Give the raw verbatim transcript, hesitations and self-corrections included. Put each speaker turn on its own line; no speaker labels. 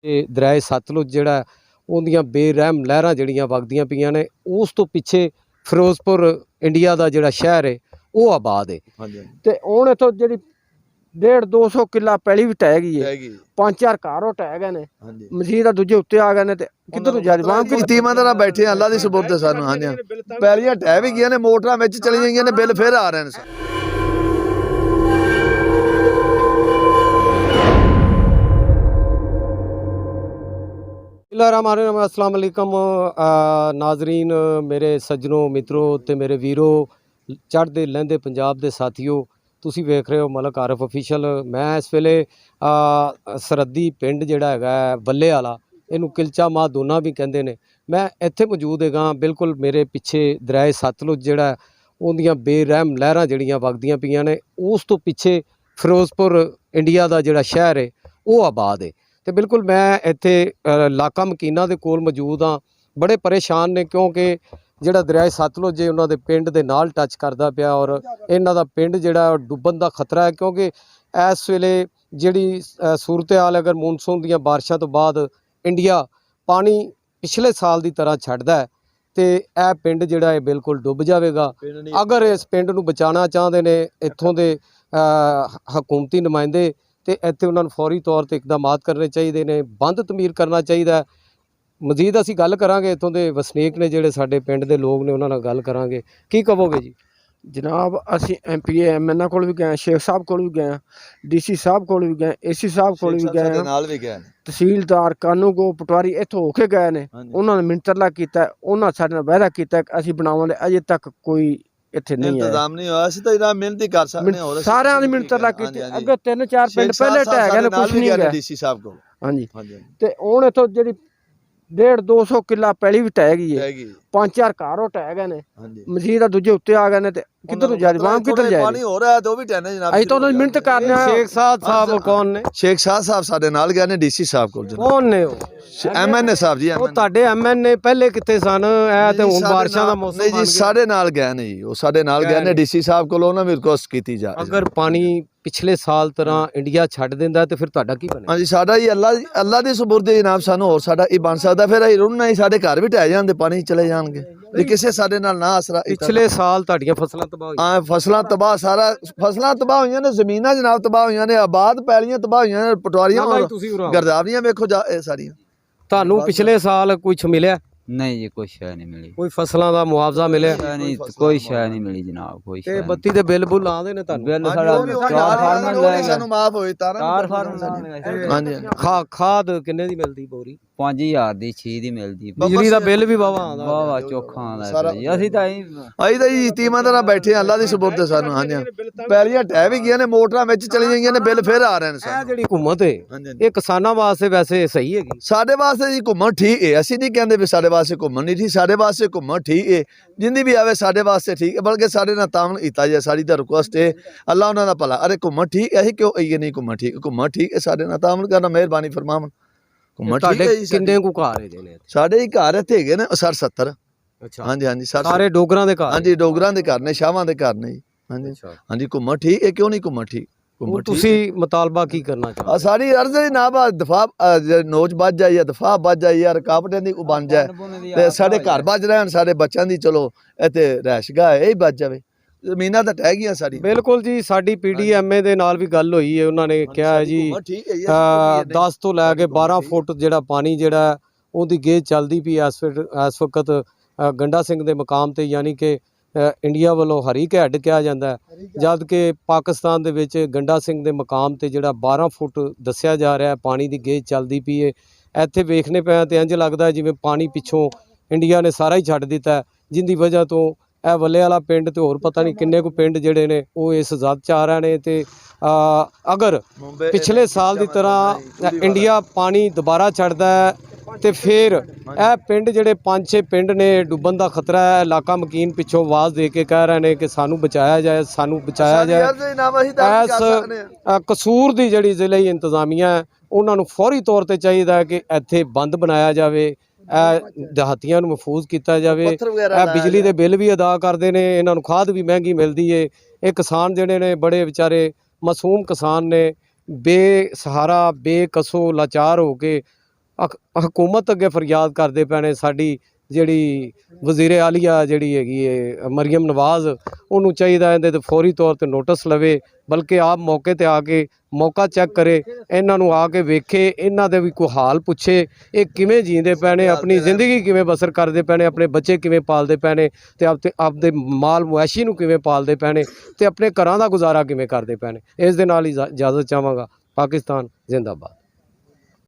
ਤੇ ਦਰਿਆਏ ਸਤਲੁਜ ਜਿਹੜਾ ਉਹਦੀਆਂ ਬੇਰਹਿਮ ਲਹਿਰਾਂ ਜਿਹੜੀਆਂ ਵਗਦੀਆਂ ਪਈਆਂ ਨੇ, ਉਸ ਤੋਂ ਪਿੱਛੇ ਫਿਰੋਜ਼ਪੁਰ ਇੰਡੀਆ ਦਾ ਜਿਹੜਾ ਸ਼ਹਿਰ ਹੈ ਉਹ ਆਬਾਦ ਹੈ। ਤੇ ਹੁਣ ਇੱਥੋਂ ਜਿਹੜੀ डेढ़ दो सौ किला पैली भी टह गई है, पांच चार घर टह गए ने, मसीह दूजे उत्ते आ गए ने ते किधर जाजबाम की
ईमानदार बैठे अल्लाह दी सुपुर्द सानू। हां जी पैलियां टह भी गई ने, मोटरां विच चली गईयां ने, बिल फिर आ रहे ने।
अस्सलाम वालेकुम नाजरीन, मेरे सज्जनों मित्रों ते मेरे वीरों, चढ़ते लहंदे पंजाब दे साथियों, ਤੁਸੀਂ ਵੇਖ ਰਹੇ ਹੋ ਮਲਕ ਆਰਿਫ ਅਫੀਸ਼ੀਅਲ। ਮੈਂ ਇਸ ਵੇਲੇ ਸਰਹੱਦੀ ਪਿੰਡ ਜਿਹੜਾ ਹੈਗਾ ਬੱਲੇ ਵਾਲਾ, ਇਹਨੂੰ ਕਿਲਚਾ ਮਾਹ ਦੋਨਾ ਵੀ ਕਹਿੰਦੇ ਨੇ, ਮੈਂ ਇੱਥੇ ਮੌਜੂਦ ਹੈਗਾ। ਬਿਲਕੁਲ ਮੇਰੇ ਪਿੱਛੇ ਦਰਿਆਏ ਸਤਲੁਜ ਜਿਹੜਾ ਉਹਦੀਆਂ ਬੇਰਹਿਮ ਲਹਿਰਾਂ ਜਿਹੜੀਆਂ ਵਗਦੀਆਂ ਪਈਆਂ ਨੇ, ਉਸ ਤੋਂ ਪਿੱਛੇ ਫਿਰੋਜ਼ਪੁਰ ਇੰਡੀਆ ਦਾ ਜਿਹੜਾ ਸ਼ਹਿਰ ਹੈ ਉਹ ਆਬਾਦ ਹੈ। ਤੇ ਬਿਲਕੁਲ ਮੈਂ ਇੱਥੇ ਇਲਾਕਾ ਮਕੀਨਾ ਦੇ ਕੋਲ ਮੌਜੂਦ ਹਾਂ। ਬੜੇ ਪਰੇਸ਼ਾਨ ਨੇ ਕਿਉਂਕਿ ਜਿਹੜਾ ਦਰਿਆਏ ਸਤਲੁਜ ਹੈ ਉਹਨਾਂ ਦੇ ਪਿੰਡ ਦੇ ਨਾਲ ਟੱਚ ਕਰਦਾ ਪਿਆ, ਔਰ ਇਹਨਾਂ ਦਾ ਪਿੰਡ ਜਿਹੜਾ ਡੁੱਬਣ ਦਾ ਖਤਰਾ ਹੈ ਕਿਉਂਕਿ ਇਸ ਵੇਲੇ ਜਿਹੜੀ ਸੂਰਤ ਹਾਲ, ਅਗਰ ਮੌਨਸੂਨ ਦੀਆਂ ਬਾਰਿਸ਼ਾਂ ਤੋਂ ਬਾਅਦ ਇੰਡੀਆ ਪਾਣੀ ਪਿਛਲੇ ਸਾਲ ਦੀ ਤਰ੍ਹਾਂ ਛੱਡਦਾ ਹੈ ਤੇ ਇਹ ਪਿੰਡ ਜਿਹੜਾ ਹੈ ਬਿਲਕੁਲ ਡੁੱਬ ਜਾਵੇਗਾ। ਅਗਰ ਇਸ ਪਿੰਡ ਨੂੰ ਬਚਾਉਣਾ ਚਾਹੁੰਦੇ ਨੇ ਇੱਥੋਂ ਦੇ ਹਕੂਮਤੀ ਨੁਮਾਇੰਦੇ, ਤੇ ਇੱਥੇ ਉਹਨਾਂ ਨੂੰ ਫੌਰੀ ਤੌਰ 'ਤੇ ਇਕਦਾਮਾਤ ਕਰਨੇ ਚਾਹੀਦੇ ਨੇ, ਬੰਦ ਤਮੀਰ ਕਰਨਾ ਚਾਹੀਦਾ। ਮਜ਼ੀਦ ਅਸੀਂ ਗੱਲ ਕਰਾਂਗੇ ਇੱਥੋਂ ਦੇ ਵਸਨੀਕ ਨੇ ਜਿਹੜੇ ਸਾਡੇ ਪਿੰਡ ਦੇ ਲੋਕ ਨੇ, ਉਹਨਾਂ ਨਾਲ ਗੱਲ ਕਰਾਂਗੇ। ਕੀ ਕਹੋਗੇ ਜੀ?
जनाब असी M P A M N को भी गए, शेख साहब को भी गए, डी सी साहब को भी गए, ए सी साहब को भी गए, तहसीलदार कानूगो पटवारी इत्थों होके गए ने। उन्होंने मिंतरला किया, उन्होंने साडे नाल वायदा किया कि असीं बनावांगे। अजे तक कोई इत्थे नहीं
इंतजाम नहीं होया। असीं तां इहदा मिहनत ही कर सकदे हां, और
सारियां दी मिंतरला कीती। अगे तीन चार पिंड पहले टह गए ने, कुछ नहीं गया
डी सी साहब को।
हां जी, ते हुण इत्थों जिहड़ी डेढ़ दो सौ किला पैली भी टह गई है, पांच चार घर टह गए ने, मसीह दूजे उत्ते आ गए ने, ते किधर जाजबाम किधर जाए?
पानी हो रहा है तो भी टहने जनाब।
असीं तां उन्हां दी मिहनत करने।
शेख साहब साहब कौन ने?
शेख साहब साहब साडे नाल गए ने, डी सी साहब कोल।
कौन ने वो?
एम एन ए साहब जी।
ਉਹ ਤੁਹਾਡੇ ਐਮ ਐਨ ਏ ਪਹਿਲੇ ਕਿੱਥੇ ਸਨ? ਇਹ ਤੇ ਹੁਣ ਬਾਰਿਸ਼ਾਂ ਦਾ ਮੌਸਮ
ਨਹੀਂ ਜੀ, ਸਾਡੇ ਨਾਲ ਗਏ ਨੇ ਜੀ, ਉਹ ਸਾਡੇ ਨਾਲ ਗਏ ਨੇ ਡੀ ਸੀ ਸਾਹਿਬ ਕੋਲ, ਉਹਨਾਂ ਵੀ ਰਿਕੁਐਸਟ ਕੀਤੀ ਜਾ।
ਅਗਰ ਪਾਣੀ ਪਿਛਲੇ ਸਾਲ ਤਰ੍ਹਾਂ ਇੰਡੀਆ ਛੱਡ ਦਿੰਦਾ ਤੇ ਫਿਰ ਤੁਹਾਡਾ ਕੀ ਬਣੇ?
ਹਾਂਜੀ, ਸਾਡਾ ਜੀ ਅੱਲਾ ਅੱਲਾ ਦੀ ਸੁਪੁਰਦ ਜਨਾਬ, ਸਾਨੂੰ ਹੋਰ ਸਾਡਾ ਇਹ ਬਣ ਸਕਦਾ। ਫਿਰ ਅਸੀਂ ਰੁੜਨਾ ਹੀ, ਸਾਡੇ ਘਰ ਵੀ ਢਹਿ ਜਾਂਦੇ, ਪਾਣੀ ਚਲੇ ਜਾਣਗੇ ਜੇ ਕਿਸੇ ਸਾਡੇ ਨਾਲ ਨਾ ਆਸਰਾ।
ਪਿਛਲੇ ਸਾਲ ਤੁਹਾਡੀਆਂ ਫਸਲਾਂ ਤਬਾਹ ਹੋਈਆਂ?
ਹਾਂ, ਫਸਲਾਂ ਤਬਾਹ, ਸਾਰਾ ਫਸਲਾਂ ਤਬਾਹ ਹੋਈਆਂ ਨੇ, ਜ਼ਮੀਨਾਂ ਜਨਾਬ ਤਬਾਹ ਹੋਈਆਂ ਨੇ, ਆਬਾਦ ਪੈਲੀਆਂ ਤਬਾਹ ਹੋਈਆਂ ਨੇ, ਪਟਵਾਰੀਆਂ ਗਰਦਾਵਰੀਆਂ ਵੇਖੋ ਜਾ ਇਹ ਸਾਰੀਆਂ।
ਤੁਹਾਨੂੰ ਪਿਛਲੇ ਸਾਲ ਕੁਛ ਮਿਲਿਆ?
नहीं जी, कोई शय नहीं मिली।
ਕੋਈ ਫਸਲਾਂ ਦਾ ਮੁਆਵਜ਼ਾ ਮਿਲਿਆ?
नहीं, कोई शय नहीं मिली जनाब, कोई
ਤੇ ਬੱਤੀ ਦੇ ਬਿੱਲ ਬੁੱਲ ਆਉਂਦੇ ਨੇ ਤੁਹਾਨੂੰ?
बिल साढ़ा चार फार्मर लाएगा,
ਸਾਨੂੰ ਮਾਫ ਹੋਏ ਤਾਰਾਂ
चार फार्मर।
ਹਾਂਜੀ।
ਖਾ ਖਾਦ ਕਿੰਨੇ ਦੀ ਮਿਲਦੀ ਬੋਰੀ?
पांच हजार दी छे दी मिलदी।
ਬਿਜਲੀ ਦਾ ਬਿੱਲ ਵੀ ਵਾਵਾ ਆਉਂਦਾ?
वाह वाह चोखा आंदा जी। ਅਸੀਂ ਤਾਂ ਹੀ
ਅਸੀਂ ਤਾਂ ਜੀ ਈਮਾਨਦਾਰ ਬੈਠੇ ਅੱਲਾ ਦੀ ਸੁਪੁਰਦ ਸਾਨੂੰ। ਹਾਂਜੀ ਪੈਲੀਆਂ ਟਹਿ ਵੀ ਗਈਆਂ ਨੇ, ਮੋਟਰਾਂ ਵਿੱਚ ਚਲੀ ਗਈਆਂ ਨੇ, ਬਿੱਲ ਫਿਰ ਆ ਰਹੇ ਨੇ।
ਇਹ ਜਿਹੜੀ ਹਕੂਮਤ ਹੈ ਇਹ ਕਿਸਾਨਾਂ ਵਾਸਤੇ ਵੈਸੇ ਸਹੀ ਹੈਗੀ?
ਸਾਡੇ ਵਾਸਤੇ ਜੀ ਘੁੰਮਣ ਠੀਕ ਹੈ, ਅਸੀਂ ਨਹੀਂ ਕਹਿੰਦੇ ਵੀ ਸਾਡੇ ਵਾਸਤੇ ਘੁੰਮਣ ਨਹੀਂ ਠੀਕ, ਸਾਡੇ ਵਾਸਤੇ ਘੁੰਮਣ ਠੀਕ ਹੈ, ਜਿੰਦੀ ਵੀ ਆਵੇ ਸਾਡੇ ਵਾਸਤੇ ਠੀਕ ਹੈ, ਬਲਕਿ ਸਾਡੇ ਨਾਲ ਤਾਮਨ ਕੀਤਾ ਜਾਏ, ਸਾਡੀ ਤਾਂ ਰਿਕੁਐਸਟ ਹੈ, ਅੱਲਾ ਉਹਨਾਂ ਦਾ ਭਲਾ। ਅਰੇ ਘੁੰਮਣ ਠੀਕ, ਅਸੀਂ ਕਿਉਂ ਆਈਏ ਨਹੀਂ ਘੁੰਮਣ ਠੀਕ? ਘੁੰਮਣ ਠੀਕ ਹੈ, ਸਾਡੇ ਨਾਲ ਤਾਮਨ ਕਰਨਾ, ਮਿਹਰਬਾਨੀ ਫਰਮਾਵਨ। ਘੁੰਮਣ ਠੀਕ ਹੈ ਜੀ।
ਕਿੰਨੇ ਕੁ ਘਰ ਹੈਗੇ ਨੇ
ਸਾਡੇ ਹੀ ਘਰ ਇੱਥੇ ਹੈਗੇ ਨੇ ਸੱਠ ਸੱਤਰ।
ਅੱਛਾ,
ਹਾਂਜੀ ਹਾਂਜੀ,
ਸਾਰੇ ਡੋਗਰਾਂ ਦੇ ਘਰ?
ਹਾਂਜੀ, ਡੋਗਰਾਂ ਦੇ ਘਰ ਨੇ, ਸ਼ਾਹਾਂ ਦੇ ਘਰ ਨੇ ਜੀ। ਹਾਂਜੀ ਹਾਂਜੀ, ਘੁੰਮਣ ਠੀਕ ਹੈ, ਕਿਉਂ ਨਹੀਂ ਘੁੰਮਣ ਠੀਕ?
ਤੁਸੀਂ ਮੁਤਾਲਬਾ ਕੀ ਕਰਨਾ ਚਾਹੁੰਦੇ?
ਸਾਡੀ ਅਰਜ਼ ਹੈ ਨਾ ਬਾ ਦਫਾ ਨੋਚ ਵੱਜ ਜਾਏ ਜਾਂ ਦਫਾ ਵੱਜ ਜਾਏ ਜਾਂ ਰੁਕਾਵਟਾਂ ਦੀ ਉਹ ਬਣ ਜਾਏ, ਤੇ ਸਾਡੇ ਘਰ ਵੱਜ ਰਹਿਣ, ਸਾਡੇ ਬੱਚਿਆਂ ਦੀ ਚਲੋ ਇੱਥੇ ਰਹਿਸ਼ਗਾਹ ਇਹ ਵੱਜ ਜਾਵੇ। ਜ਼ਮੀਨਾਂ ਤਾਂ ਟਹਿ ਗਈਆਂ ਸਾਡੀ।
ਬਿਲਕੁਲ ਜੀ, ਸਾਡੀ ਪੀ ਡੀ ਐਮ ਏ ਦੇ ਨਾਲ ਵੀ ਗੱਲ ਹੋਈ ਹੈ, ਉਹਨਾਂ ਨੇ ਕਿਹਾ ਹੈ ਜੀ ਦਸ ਤੋਂ ਲੈ ਕੇ ਬਾਰਾਂ ਫੁੱਟ ਜਿਹੜਾ ਪਾਣੀ ਜਿਹੜਾ ਉਹਦੀ ਗੇਜ ਚੱਲਦੀ ਪਈ ਇਸ ਇਸ ਵਕਤ ਗੰਡਾ ਸਿੰਘ ਦੇ ਮਕਾਮ ਤੇ, ਯਾਨੀ ਕਿ ਇੰਡੀਆ ਵੱਲੋਂ ਹਰੀਕ ਹੈਡ ਕਿਹਾ ਜਾਂਦਾ, ਜਦ ਕਿ ਪਾਕਿਸਤਾਨ ਦੇ ਵਿੱਚ ਗੰਡਾ ਸਿੰਘ ਦੇ ਮਕਾਮ ਤੇ ਜਿਹੜਾ ਬਾਰਾਂ ਫੁੱਟ ਦੱਸਿਆ ਜਾ ਰਿਹਾ ਪਾਣੀ ਦੀ ਗੇਜ ਚੱਲਦੀ ਪਈ ਹੈ। ਇੱਥੇ ਵੇਖਣੇ ਪਿਆ ਤੇ ਇੰਝ ਲੱਗਦਾ ਜਿਵੇਂ ਪਾਣੀ ਪਿੱਛੋਂ ਇੰਡੀਆ ਨੇ ਸਾਰਾ ਹੀ ਛੱਡ ਦਿੱਤਾ, ਜਿੰਦੀ ਵਜ੍ਹਾ ਤੋਂ ਇਹ ਵੱਲੇ ਵਾਲਾ ਪਿੰਡ ਤੇ ਹੋਰ ਪਤਾ ਨਹੀਂ ਕਿੰਨੇ ਕੁ ਪਿੰਡ ਜਿਹੜੇ ਨੇ ਉਹ ਇਸ ਜ਼ਦ 'ਚ ਆ ਰਹੇ ਨੇ। ਤੇ ਅਗਰ ਪਿਛਲੇ ਸਾਲ ਦੀ ਤਰ੍ਹਾਂ ਇੰਡੀਆ ਪਾਣੀ ਦੁਬਾਰਾ ਛੱਡਦਾ ਹੈ ਤੇ ਫਿਰ ਇਹ ਪਿੰਡ ਜਿਹੜੇ ਪੰਜ ਛੇ ਪਿੰਡ ਨੇ ਡੁੱਬਣ ਦਾ ਖਤਰਾ ਹੈ। ਇਲਾਕਾ ਮਕੀਨ ਪਿੱਛੋਂ ਆਵਾਜ਼ ਦੇ ਕੇ ਕਹਿ ਰਹੇ ਨੇ ਕਿ ਸਾਨੂੰ ਬਚਾਇਆ ਜਾਏ, ਸਾਨੂੰ ਬਚਾਇਆ ਜਾਏ। ਇਸ ਕਸੂਰ ਦੀ ਜਿਹੜੀ ਜ਼ਿਲ੍ਹੀ ਇੰਤਜ਼ਾਮੀਆ ਹੈ ਉਹਨਾਂ ਨੂੰ ਫੌਰੀ ਤੌਰ ਤੇ ਚਾਹੀਦਾ ਹੈ ਕਿ ਇੱਥੇ ਬੰਦ ਬਣਾਇਆ ਜਾਵੇ, ਇਹ ਦਿਹਾਤੀਆਂ ਨੂੰ ਮਹਿਫੂਜ਼ ਕੀਤਾ ਜਾਵੇ। ਇਹ ਬਿਜਲੀ ਦੇ ਬਿੱਲ ਵੀ ਅਦਾ ਕਰਦੇ ਨੇ, ਇਹਨਾਂ ਨੂੰ ਖਾਦ ਵੀ ਮਹਿੰਗੀ ਮਿਲਦੀ ਹੈ। ਇਹ ਕਿਸਾਨ ਜਿਹੜੇ ਨੇ ਬੜੇ ਵਿਚਾਰੇ ਮਾਸੂਮ ਕਿਸਾਨ ਨੇ, ਬੇਸਹਾਰਾ ਬੇਕਸੋ ਲਾਚਾਰ ਹੋ ਕੇ ਹਕ- ਹਕੂਮਤ ਅੱਗੇ ਫਰਿਆਦ ਕਰਦੇ ਪਏ ਨੇ। ਸਾਡੀ ਜਿਹੜੀ ਵਜ਼ੀਰ ਆਲੀਆ ਜਿਹੜੀ ਹੈਗੀ ਹੈ ਮਰੀਮ ਨਵਾਜ਼, ਉਹਨੂੰ ਚਾਹੀਦਾ ਇਹਦੇ ਤੇ ਫੌਰੀ ਤੌਰ ਤੇ ਨੋਟਿਸ ਲਵੇ, ਬਲਕਿ ਆਪ ਮੌਕੇ ਤੇ ਆ ਕੇ ਮੌਕਾ ਚੈੱਕ ਕਰੇ, ਇਹਨਾਂ ਨੂੰ ਆ ਕੇ ਵੇਖੇ, ਇਹਨਾਂ ਦੇ ਵੀ ਕੋਈ ਹਾਲ ਪੁੱਛੇ, ਇਹ ਕਿਵੇਂ ਜੀਂਦੇ ਪਏ ਨੇ, ਆਪਣੀ ਜ਼ਿੰਦਗੀ ਕਿਵੇਂ ਬਸਰ ਕਰਦੇ ਪਏ ਨੇ, ਆਪਣੇ ਬੱਚੇ ਕਿਵੇਂ ਪਾਲਦੇ ਪਏ ਨੇ, ਤੇ ਆਪਦੇ ਆਪਦੇ ਮਾਲ ਮੁਆਸ਼ੀ ਨੂੰ ਕਿਵੇਂ ਪਾਲਦੇ ਪਏ ਨੇ, ਤੇ ਆਪਣੇ ਘਰਾਂ ਦਾ ਗੁਜ਼ਾਰਾ ਕਿਵੇਂ ਕਰਦੇ ਪਏ ਨੇ। ਇਸ ਦੇ ਨਾਲ ਹੀ ਇਜਾ- ਇਜਾਜ਼ਤ ਚਾਹਾਂਗਾ। ਪਾਕਿਸਤਾਨ ਜ਼ਿੰਦਾਬਾਦ।